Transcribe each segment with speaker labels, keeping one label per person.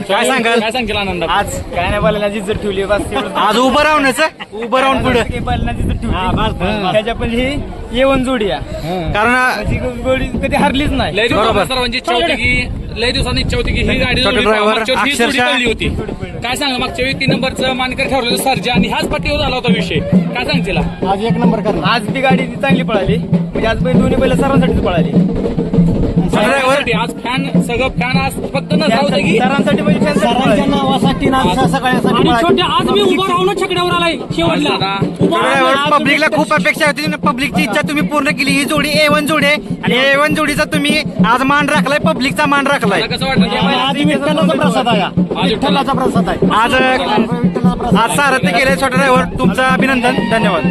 Speaker 1: काय सांगाल
Speaker 2: आनंद?
Speaker 3: आज काय नाही बैलांची जर ठेवली बस
Speaker 1: आज उभं राहण्याचं उभं राहून पुढे
Speaker 3: बैलांची जर ठेवली त्याच्या पण ही येऊन जोडी आहे
Speaker 1: कारण
Speaker 3: जोडी कधी हरलीच नाही.
Speaker 2: लय दिवसांनी सर्वांची इच्छा होती की लय दिवसांनी इच्छा होती की ही गाडी
Speaker 1: छोटे
Speaker 2: जोडी
Speaker 1: driver
Speaker 2: मागच्या वेळी ही जोडी
Speaker 1: अक्षरशः-
Speaker 2: पडली होती. काय सांगा मागच्या वेळी 3 नंबरचं मानकर ठरवलेलं सर्जा आणि ह्याच पट्टीवर झाला होता विषय. काय सांगतील?
Speaker 3: आज 1 नंबर करणार. आज ती गाडी चांगली पळाली म्हणजे आज दोन्ही बैल सर्वांसाठीच पळाली.
Speaker 2: सर्वांसाठी आज फॅन सगळं फॅन आज फक्त न जाऊ दे की
Speaker 3: सरांसाठी म्हणजे सरांच्या नावासाठी
Speaker 4: आणि छोट्या आज मी उभं राहून छकड्यावर आलाय शेवटला.
Speaker 1: पब्लिकला खूप अपेक्षा होती. पब्लिकची इच्छा तुम्ही पूर्ण केली. ही जोडी A1 जोडी आहे आणि A1 जोडीचा तुम्ही आज मान राखलाय, पब्लिकचा मान राखलाय.
Speaker 2: मला कसं वाटलं
Speaker 3: आज विठ्ठलाचा प्रसाद आहे.
Speaker 2: आज
Speaker 3: विठ्ठलाचा प्रसाद आहे.
Speaker 1: आज सारथी केले छोटा ड्रायव्हर, तुमचं अभिनंदन, धन्यवाद.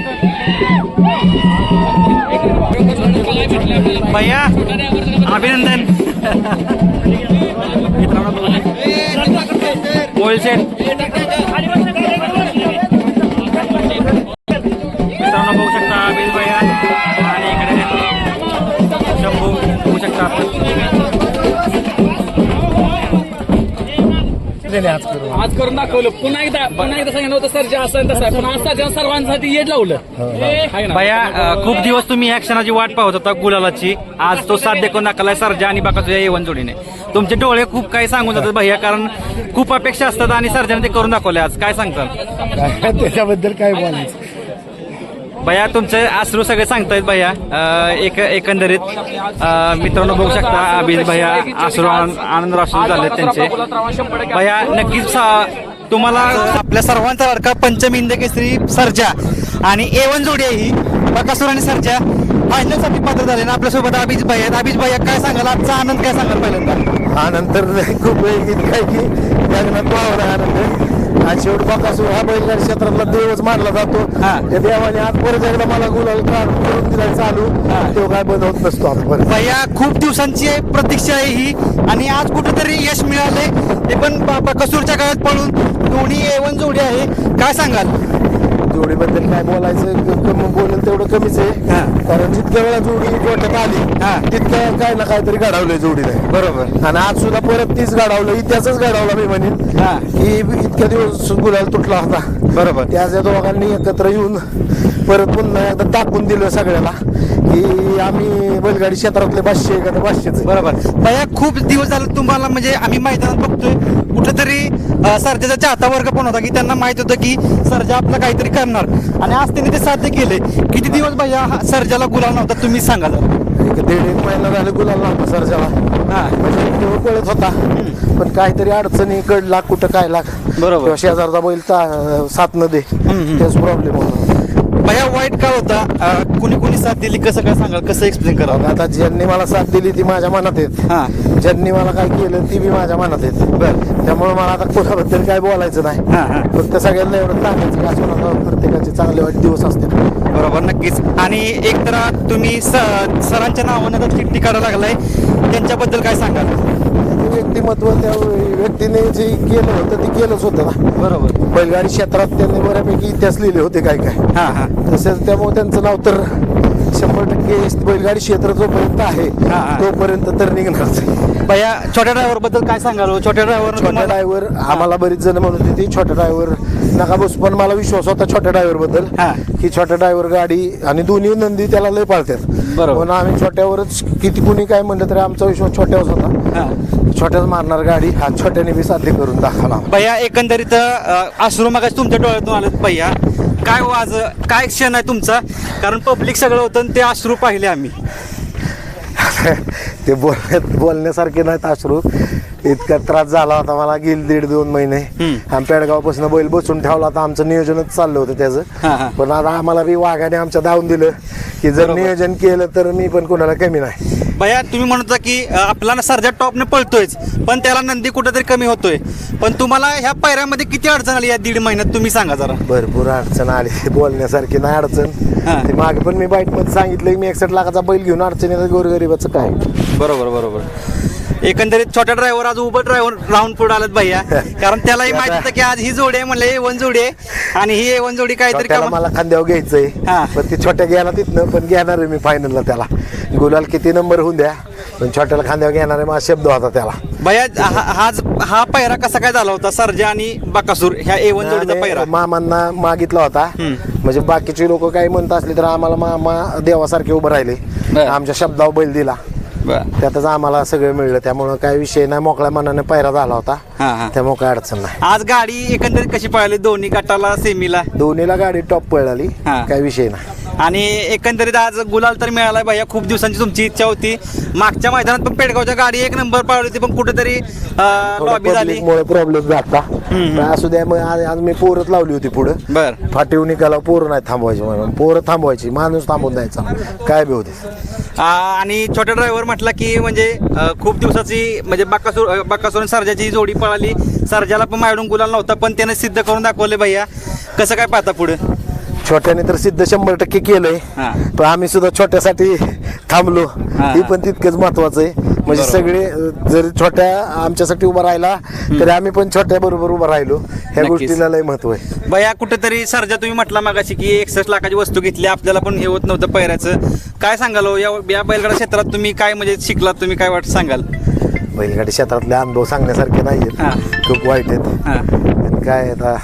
Speaker 1: भैया अभिनंदन. मित्रांनो मोबाईल सेट मित्रांनो बघू शकता अभिज भैया आणि इकडे शंभू बघू शकता
Speaker 2: आज करून दाखवलं. पुन्हा एकदा सांगितलं होतं सर्जा असं तसं आहे. पण आज सर्जा सर्वांसाठी येत लावलं. आहे ना?
Speaker 1: भैया खूप दिवस तुम्ही ह्या क्षणाची वाट पाहत होता गुलालाची. आज तो साध्य करून दाखवलाय सर्जा आणि बाकासुया A1 जोडीने. तुमचे डोळे खूप काही सांगून जातात भैया, कारण खूप अपेक्षा असतात आणि सर्जाने ते करून दाखवले. आज काय सांगतात
Speaker 3: त्याच्याबद्दल काय बोलायचं?
Speaker 1: भैया तुमचे अश्रू सगळे सांगतायत भैया. एकंदरीत मित्रांनो बघू शकता अभिज भैया अश्रू आनंद अश्रू झाले त्यांचे. भैया नक्कीच तुम्हाला आपल्या सर्वांचा लाडका पंचम हिंद केसरी सर्जा आणि A1 जोडी आहे ही बकासूर आणि सर्जा फायनल साठी पात्र झाले ना. आपल्यासोबत अभिज भैया आहेत. अभिज भैया काय सांगाल, आजचा आनंद काय सांगाल? पहिल्यांदा
Speaker 5: आनंद तर खूप वेळ काय की लग्नात वावर आनंद. आज शेवट बकासूर हा बैलगाडी क्षेत्रातला देवच मानला जातो. त्या देवाने आज परत एकदा मला गुलाल करून दिला चालू. तो काय बनवत नसतो आपण.
Speaker 1: भैया खूप दिवसांची प्रतीक्षा आहे ही आणि आज कुठेतरी यश मिळाले ते पण बकासूरच्या काळात पळून. दोन्ही A1 जोडी आहे. काय सांगाल
Speaker 5: जोडीबद्दल काय बोलायचं, बोलेल तेवढं कमीच आहे. कारण जितक्या वेळा जोडी गोठ्यात आली तितकं काय ना काहीतरी घडवलंय जोडीने.
Speaker 1: बरोबर.
Speaker 5: आणि आज सुद्धा परत तीच घडवलं, इतिहासच घडवला मी म्हणेन की इतक्या दिवस गुलाल तुटला होता.
Speaker 1: बरोबर.
Speaker 5: त्याच दोघांनी एकत्र येऊन परत पुन्हा एकदा दाखवून दिलं सगळ्याला की आम्ही बैलगाडी क्षेत्रातले 500
Speaker 1: बरोबर. भैया खूप दिवस झाले तुम्हाला म्हणजे आम्ही मैदानात बघतोय कुठेतरी सर्जाचा चाहता वर्ग पण होता की त्यांना माहित होतं की सर्जा आपलं काहीतरी करणार आणि आज त्यांनी ते साध्य केले. किती दिवस भैया सर्जाला गुलाल नव्हता तुम्ही सांगा जरा.
Speaker 5: 1.5 महिना झाले गुलाल नव्हता सर्जाला. म्हणजे तो कळत होता पण काहीतरी अडचणी कडला कुठं काय लाग.
Speaker 1: बरोबर.
Speaker 5: शेजारचा बैल साथ न दे तेच प्रॉब्लेम होता.
Speaker 1: भैया वाईट काळ होता. कुणी कुणी साथ दिली कसं काय सांगाल, कसं एक्सप्लेन करावं?
Speaker 5: आता ज्यांनी मला साथ दिली ती माझ्या मनात आहेत. ज्यांनी मला काय केलं ती बी माझ्या मनात आहेत. त्यामुळे मला आता कोणाबद्दल काय बोलायचं नाही. फक्त सगळ्यांना एवढं सांगायचं का प्रत्येकाचे चांगले वाईट दिवस असतील.
Speaker 1: बरोबर. नक्कीच. आणि एक तर तुम्ही सरांच्या नावानं तर चिठ्ठी काढायला लागलाय, त्यांच्याबद्दल काय सांगाल?
Speaker 5: व्यक्तिमत्व त्या व्यक्तीने जे केलं होतं ते केलंच होतं ना.
Speaker 1: बरोबर.
Speaker 5: बैलगाडी क्षेत्रात त्यांनी बऱ्यापैकी इतिहास लिहिले होते काय काय. तसेच त्यामुळे त्यांचं नाव तर 100% बैलगाडी क्षेत्र जोपर्यंत आहे तोपर्यंत तर निघणारच.
Speaker 1: भैया छोट्या ड्रायव्हर बद्दल काय सांगाल? छोट्या
Speaker 5: ड्रायव्हर आम्हाला बरीच जण म्हणत होती छोट्या ड्रायव्हर नका बस, पण मला विश्वास होता छोट्या ड्रायव्हर बद्दल की छोट्या ड्रायव्हर गाडी आणि दोन्ही नंदी त्याला लय पाळतात. म्हणून आम्ही छोट्यावरच किती कुणी काय म्हणलं तरी आमचा विश्वास छोट्यावरच होता. छोट्याच मारणार गाडी हा छोट्याने बी साध्य करून दाखवला.
Speaker 1: भैया एकंदरीत अश्रू मगाशी तुमच्या डोळ्यातून आलेत भैया. काय आज काय क्षण आहे तुमचा, कारण पब्लिक सगळं होतं आणि ते अश्रू पाहिले आम्ही.
Speaker 5: ते बोलण्यासारखे नाहीत अश्रू. इतका त्रास झाला होता मला गेली 1.5-2 महिने. आम्ही पेडगावपासून बैल बसून ठेवला होता. आमचं नियोजनच चाललं होतं त्याचं. पण आता आम्हाला बी वाघाने आमच्या धावून दिलं की जर नियोजन केलं तर मी पण कोणाला कमी नाही.
Speaker 1: भैया तुम्ही म्हणत होता की आपला सर्जा टॉपने पळतोयच पण त्याला नंदी कुठेतरी कमी होतोय. पण तुम्हाला ह्या पायऱ्यामध्ये किती अडचण आली या 1.5 महिन्यात तुम्ही सांगा जरा.
Speaker 5: भरपूर अडचण आली, बोलण्यासारखी नाही अडचण. मागे पण मी बाईट मध्ये सांगितलं मी 61 लाखाचा बैल घेऊन अडचणीचं गोरगरिबाचं काय.
Speaker 1: बरोबर बरोबर. एकंदरीत छोट्या ड्रायव्हर आज उभं ड्रायव्हर राऊंड पुढे आलात भैया, कारण त्यालाही माहिती होतं की आज ही जोडी आहे म्हणले A1 जोडी आहे आणि ही A1 जोडी काहीतरी
Speaker 5: मला खांद्यावर घ्यायचंय. पण ती छोट्या घ्यायला तिथनं पण घेणार आहे मी फायनलला. त्याला गुलाल किती नंबर होऊन द्या पण छोट्याला खांद्यावर घेणारे माझा शब्द होता त्याला.
Speaker 1: भैया हा पैरा कसा काय झाला होता सर्जा आणि बकासूर ह्या A1 जोडीचा पैरा?
Speaker 5: मामांना मागितला होता. म्हणजे बाकीचे लोक काही म्हणत असले तर आम्हाला मामा देवासारखे उभं राहिले.
Speaker 1: बरं.
Speaker 5: आमच्या शब्दावर बैल दिला. त्यातच आम्हाला सगळं मिळलं. त्यामुळं काही विषय नाही, मोकळ्या मनाने पैरा झाला होता. त्यामुळे काय अडचण नाही.
Speaker 1: आज गाडी एकंदरीत कशी पळाली दोन्ही गटाला सेमीला?
Speaker 5: दोन्हीला गाडी टॉप पळाली, काही विषय नाही.
Speaker 1: आणि एकंदरीत आज गुलाल तर मिळालाय भैया. खूप दिवसांची तुमची इच्छा होती. मागच्या मैदानात पण पेडगावच्या गाडी 1 नंबर पळाली होती, पण कुठेतरी लॉबी झाली,
Speaker 5: प्रॉब्लेम झाला. असू द्या, मग आज मी पोरच लावली होती पुढं.
Speaker 1: बर
Speaker 5: फाटीव निकाला पोरं नाही थांबवायची, म्हणून पोरं थांबवायची, माणूस थांबून द्यायचा, काय बी होते.
Speaker 1: आणि छोटा ड्रायव्हर म्हटला की म्हणजे खूप दिवसाची म्हणजे बकासूर आणि सर्जाची जोडी पळाली. सर्जाला पण माझ्याकडून गुलाल नव्हता, पण त्याने सिद्ध करून दाखवले भैया. कसं काय पाहता पुढे?
Speaker 5: छोट्याने तर सिद्ध 100% केलंय, पण आम्ही सुद्धा छोट्यासाठी थांबलो. हे पण तितकंच महत्वाचं आहे. म्हणजे सगळे जरी छोट्या आमच्यासाठी उभा राहिला तरी आम्ही पण छोट्या बरोबर उभा राहिलो. ह्या गोष्टीला लय महत्व आहे.
Speaker 1: भैया कुठेतरी सर्जा तुम्ही म्हटला मागाशी की 61 लाखाची वस्तू घेतली, आपल्याला पण हे होत नव्हतं पैऱ्याचं. काय सांगाल हो? या बैलगाडा क्षेत्रात तुम्ही काय म्हणजे शिकलात, तुम्ही काय वाटत सांगाल?
Speaker 5: बैलगाडी क्षेत्रातले अनुभव सांगण्यासारखे नाहीयेत, खूप वाईट आहेत. काय आता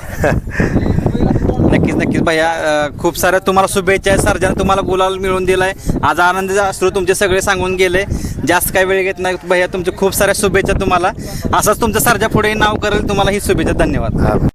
Speaker 1: नक्कीच भैया. खूप साऱ्या तुम्हाला शुभेच्छा आहेत. सर्जाने तुम्हाला गुलाल मिळवून दिलाय. आज आनंद अश्रू तुमचे सगळे सांगून गेले. जास्त काही वेळ घेत नाही भैया. तुमचे खूप साऱ्या शुभेच्छा तुम्हाला. असंच तुमचं सर्जा पुढे नाव करेल. तुम्हाला ही शुभेच्छा. धन्यवाद.